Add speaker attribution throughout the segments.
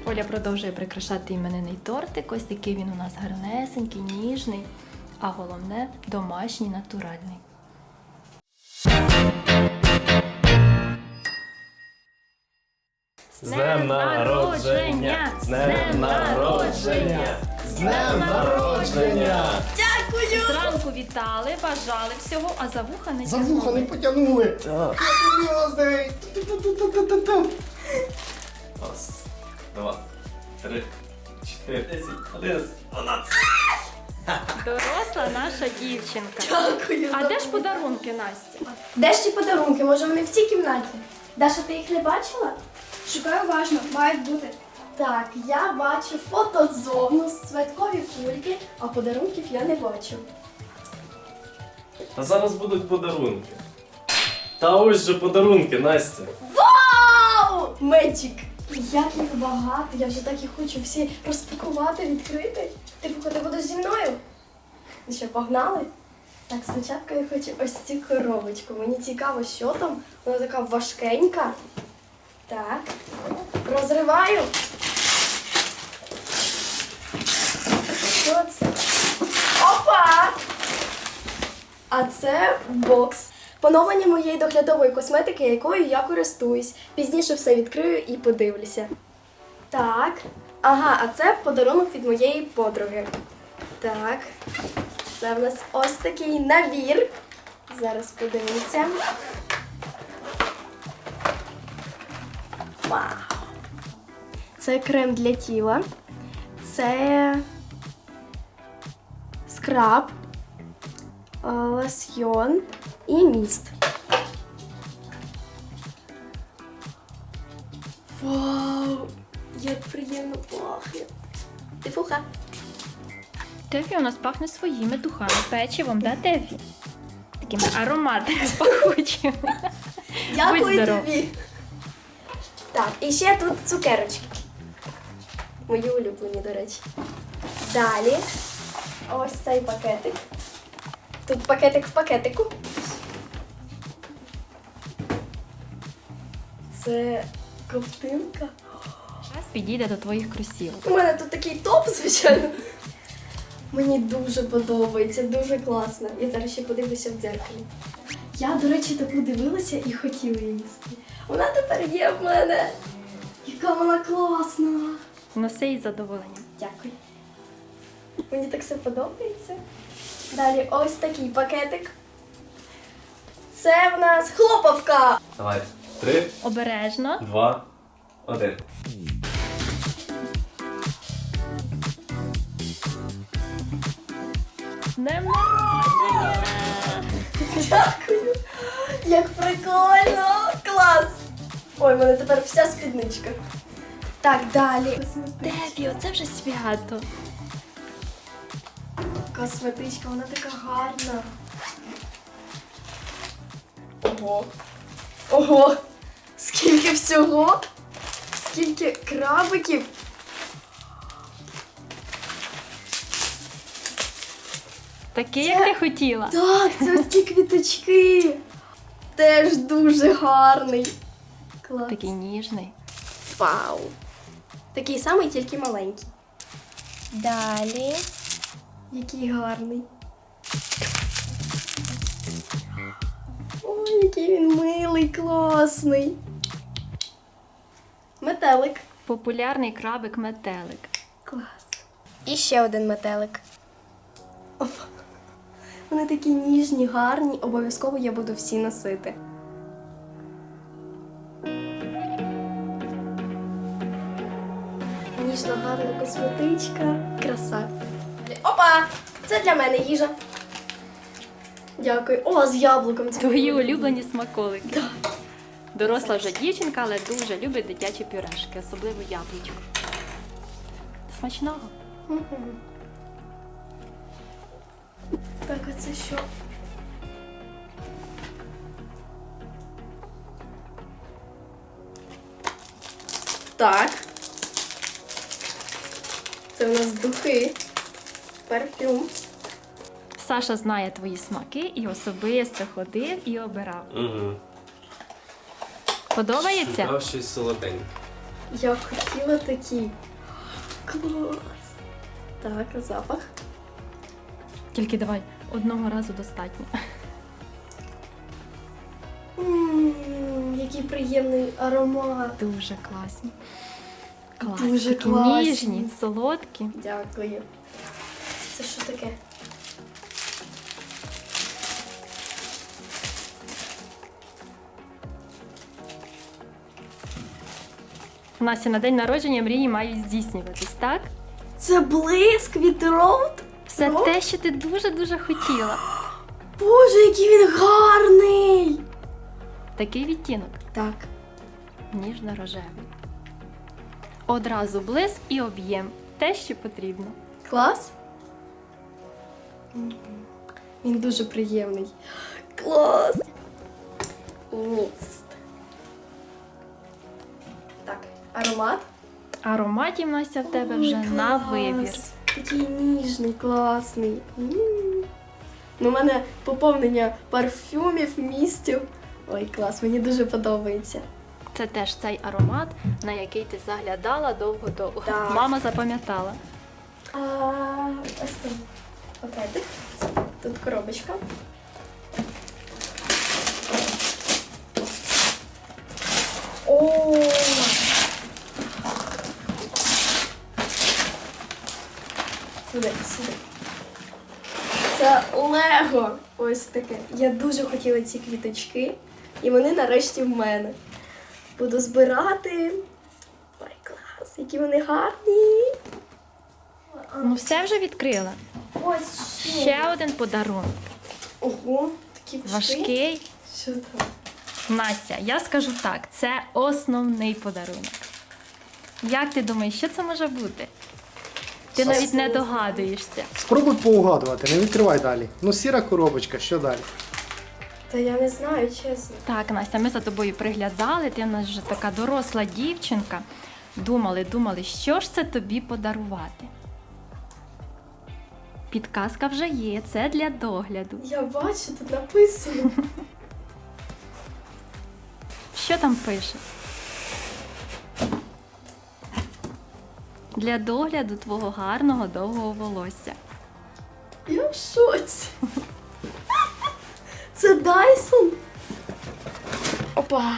Speaker 1: Оля продовжує прикрашати іменинний тортик. Ось такий він у нас гарнесенький, ніжний, а головне – домашній, натуральний.
Speaker 2: З днем народження! З днем народження! З днем народження!
Speaker 1: Дякую! Зранку вітали, бажали всього, а за вуха не
Speaker 3: За
Speaker 1: тягнули.
Speaker 3: вуха не потягнули. Happy birthday!
Speaker 2: Раз, два, три, 4, 10, 11, 12.
Speaker 1: Доросла наша дівчинка.
Speaker 4: Дякую.
Speaker 1: А де ж подарунки, Настя?
Speaker 4: Де ж ті подарунки? Може вони в цій кімнаті? Даша, ти їх не бачила?
Speaker 5: Шукаю уважно, мають бути.
Speaker 4: Так, я бачу фотозону, святкові кульки, а подарунків я не бачу.
Speaker 2: А зараз будуть подарунки. Та ось же подарунки, Настя.
Speaker 4: Вау! Меджик! Як їх багато, я вже так їх хочу всі розпакувати, відкрити. Ти будеш зі мною? Ну що, погнали? Так, спочатку я хочу ось цю коробочку. Мені цікаво, що там. Вона така важкенька. Так, розриваю. Що це? Опа! А це бокс. Поновлення моєї доглядової косметики, якою я користуюсь. Пізніше все відкрию і подивлюся. Так. Ага, а це подарунок від моєї подруги. Так. Це в нас ось такий набір. Зараз подивимося. Вау! Це крем для тіла. Це скраб, лосьйон і міст. Вау! Як приємно пахне. Тифуха.
Speaker 1: Тефі у нас пахне своїми духами, печивом, да, Тефі? Такими ароматами пахучими. Будь
Speaker 4: Дякую
Speaker 1: здоров.
Speaker 4: тобі. Так, і ще тут цукерочки. Мої улюблені, до речі. Далі ось цей пакетик. Тут пакетик в пакетику. Це ковтинка.
Speaker 1: Час підійде до твоїх кросівок.
Speaker 4: У мене тут такий топ, звичайно. Мені дуже подобається, дуже класно. Я зараз ще подивлюся в дзеркалі. Я, до речі, таку дивилася і хотіла її собі. Вона тепер є в мене. Яка вона класна.
Speaker 1: Носи із задоволенням.
Speaker 4: Дякую. Мені так все подобається. Далі ось такий пакетик. Це в нас хлопавка.
Speaker 2: Давай. 3,
Speaker 1: Обережно.
Speaker 2: 2, 1.
Speaker 1: З днем народження!
Speaker 4: Дякую. Як прикольно. Клас. Ой, в мене тепер вся спідничка. Так, далі.
Speaker 1: Тефі, оце вже свято.
Speaker 4: Косметичка, вона така гарна. Ого. Ого! Скільки всього! Скільки крабиків!
Speaker 1: Такий, як ти хотіла.
Speaker 4: Так, це ось ці квіточки! Теж дуже гарний. Клас.
Speaker 1: Такий ніжний.
Speaker 4: Вау! Такий самий, тільки маленький. Далі. Який гарний. Ой, який він милий, класний. Метелик.
Speaker 1: Популярний крабик-метелик.
Speaker 4: Клас. І ще один метелик. Оп. Вони такі ніжні, гарні. Обов'язково я буду всі носити. Ніжна, гарна косметичка. Краса. Опа! Це для мене їжа. Дякую. О, з яблуком. Це
Speaker 1: Твої улюблені смаколики.
Speaker 4: Так.
Speaker 1: Доросла вже дівчинка, але дуже любить дитячі пюрешки, особливо яблучко. Смачного.
Speaker 4: Мгм. Так, а це що? Так. Це у нас духи. Парфюм.
Speaker 1: Саша знає твої смаки і особисто ходив і обирав.
Speaker 2: Угу.
Speaker 1: Подобається?
Speaker 2: Шукав щось солоденьке.
Speaker 4: Я хотіла такі. Клас. Так, а запах.
Speaker 1: Тільки давай, одного разу достатньо.
Speaker 4: Який приємний аромат.
Speaker 1: Дуже класні. Класні.
Speaker 4: Дуже
Speaker 1: Такі
Speaker 4: класні.
Speaker 1: ніжні, солодкі.
Speaker 4: Дякую. Це що таке?
Speaker 1: Настя, на день народження мрії мають здійснюватись, так?
Speaker 4: Це блиск від Роуд?
Speaker 1: Все
Speaker 4: Роуд?
Speaker 1: те, що ти дуже-дуже хотіла.
Speaker 4: Боже, який він гарний!
Speaker 1: Такий відтінок.
Speaker 4: Так.
Speaker 1: Ніжно-рожевий. Одразу блиск і об'єм. Те, що потрібно.
Speaker 4: Клас? Він дуже приємний. Клас! І міст. Так, аромат.
Speaker 1: Ароматів, Настя, в тебе
Speaker 4: Ой,
Speaker 1: вже на
Speaker 4: клас.
Speaker 1: вибір.
Speaker 4: Такий ніжний, класний. Ну, у мене поповнення парфюмів, містів. Ой, клас, мені дуже подобається.
Speaker 1: Це теж цей аромат, на який ти заглядала довго-довго.
Speaker 4: Так.
Speaker 1: Мама запам'ятала.
Speaker 4: Ось там пакетик. Тут коробочка. О! Сюди, сюди. Це Лего. Ось таке. Я дуже хотіла ці квіточки, і вони нарешті в мене. Буду збирати. Ой, клас, які вони гарні.
Speaker 1: Ну все вже відкрила.
Speaker 4: Ось
Speaker 1: Ще один подарунок.
Speaker 4: Ого, такі
Speaker 1: Важкий.
Speaker 4: Що там?
Speaker 1: Настя, я скажу так, це основний подарунок. Як ти думаєш, що це може бути? Ти
Speaker 4: Щось
Speaker 1: навіть не
Speaker 4: не знаю.
Speaker 1: догадуєшся.
Speaker 3: Спробуй поугадувати, не відкривай далі. Ну, сіра коробочка, що далі?
Speaker 4: Та я не знаю, чесно.
Speaker 1: Так, Настя, ми за тобою приглядали, ти в нас вже така доросла дівчинка. Думали, що ж це тобі подарувати? Підказка вже є, це для догляду.
Speaker 4: Я бачу, тут написано.
Speaker 1: Що там пише? Для догляду твого гарного довгого волосся.
Speaker 4: Я в шоці. Це Дайсон? Опа.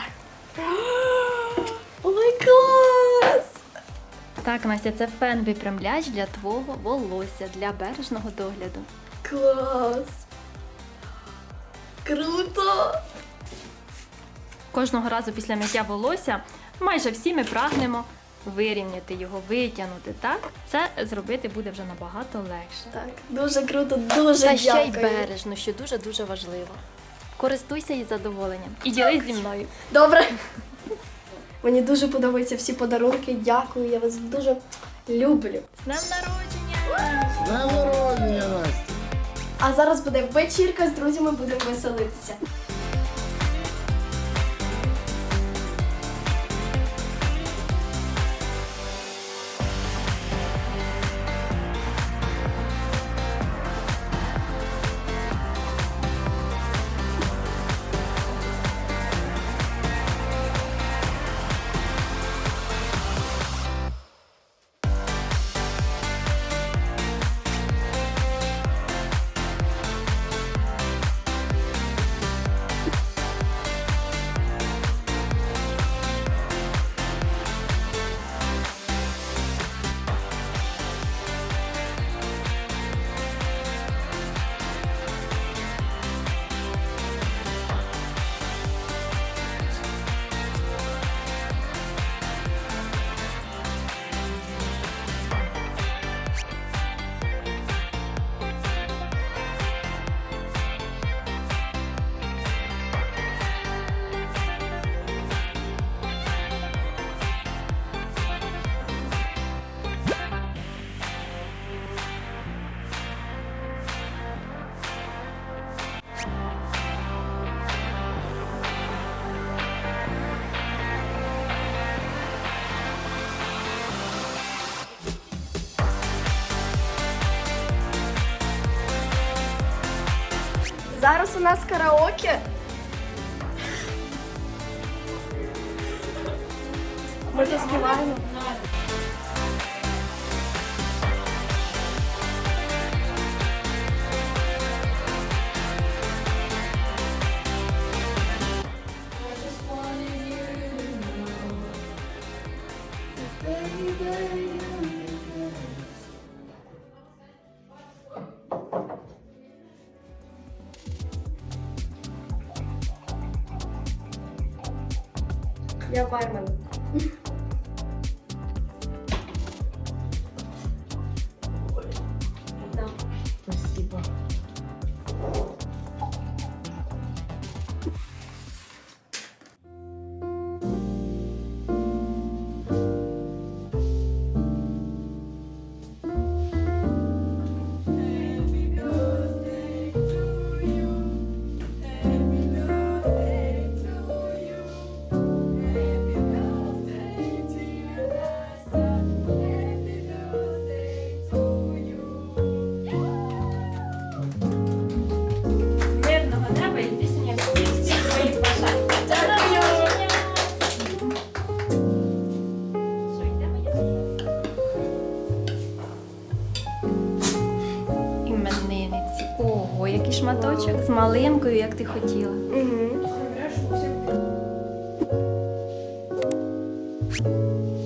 Speaker 4: Ой, клас!
Speaker 1: Так, Настя, це фен-випрямляч для твого волосся, для бережного догляду.
Speaker 4: Клас! Круто!
Speaker 1: Кожного разу після миття волосся майже всі ми прагнемо вирівняти його, витягнути, так? Це зробити буде вже набагато легше.
Speaker 4: Так, дуже круто, дуже
Speaker 1: Та ще й
Speaker 4: дякую.
Speaker 1: бережно, що дуже-дуже важливо. Користуйся із задоволенням і ділись зі мною.
Speaker 4: Добре. Мені дуже подобаються всі подарунки. Дякую, я вас дуже люблю.
Speaker 1: З днем народження!
Speaker 3: З днем народження, Настя!
Speaker 4: А зараз буде вечірка з друзями, будемо веселитися. Зараз у нас караоке. Ми то співаємо. Я бармен. Да.
Speaker 3: Спасибо.
Speaker 1: Мирного неба і здійснення всіх своїх бажань. До народження! Що, йдемо їсти? Іменинниці. Ого, який шматочок з малинкою, як ти хотіла.
Speaker 4: Угу.